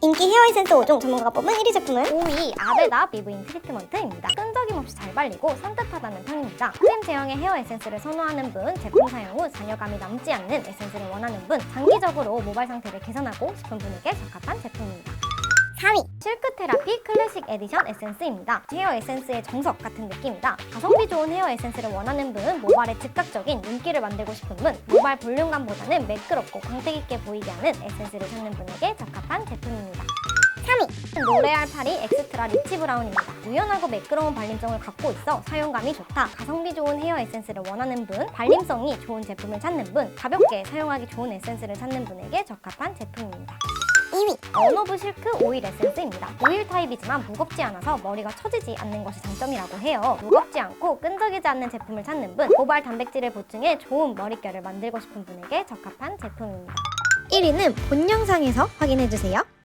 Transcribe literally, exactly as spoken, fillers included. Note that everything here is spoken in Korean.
인기 헤어 에센스 오 종 전문가가 뽑은 일 위 제품은 오 위 아베다 비브인 트리트먼트입니다. 끈적임 없이 잘 발리고 산뜻하다는 평입니다. 크림 제형의 헤어 에센스를 선호하는 분, 제품 사용 후 잔여감이 남지 않는 에센스를 원하는 분, 장기적으로 모발 상태를 개선하고 싶은 분에게 적합한 제품입니다. 사 위 실크 테라피 클래식 에디션 에센스입니다. 헤어 에센스의 정석 같은 느낌이다. 가성비 좋은 헤어 에센스를 원하는 분, 모발에 즉각적인 윤기를 만들고 싶은 분, 모발 볼륨감보다는 매끄럽고 광택 있게 보이게 하는 에센스를 찾는 분에게 적합한 제품입니다. 삼 위 로레알 파리 엑스트라 리치 브라운입니다. 유연하고 매끄러운 발림성을 갖고 있어 사용감이 좋다. 가성비 좋은 헤어 에센스를 원하는 분, 발림성이 좋은 제품을 찾는 분, 가볍게 사용하기 좋은 에센스를 찾는 분에게 적합한 제품입니다. 이 위 언오브 실크 오일 에센스입니다. 오일 타입이지만 무겁지 않아서 머리가 처지지 않는 것이 장점이라고 해요. 무겁지 않고 끈적이지 않는 제품을 찾는 분, 모발 단백질을 보충해 좋은 머릿결을 만들고 싶은 분에게 적합한 제품입니다. 일 위는 본 영상에서 확인해주세요.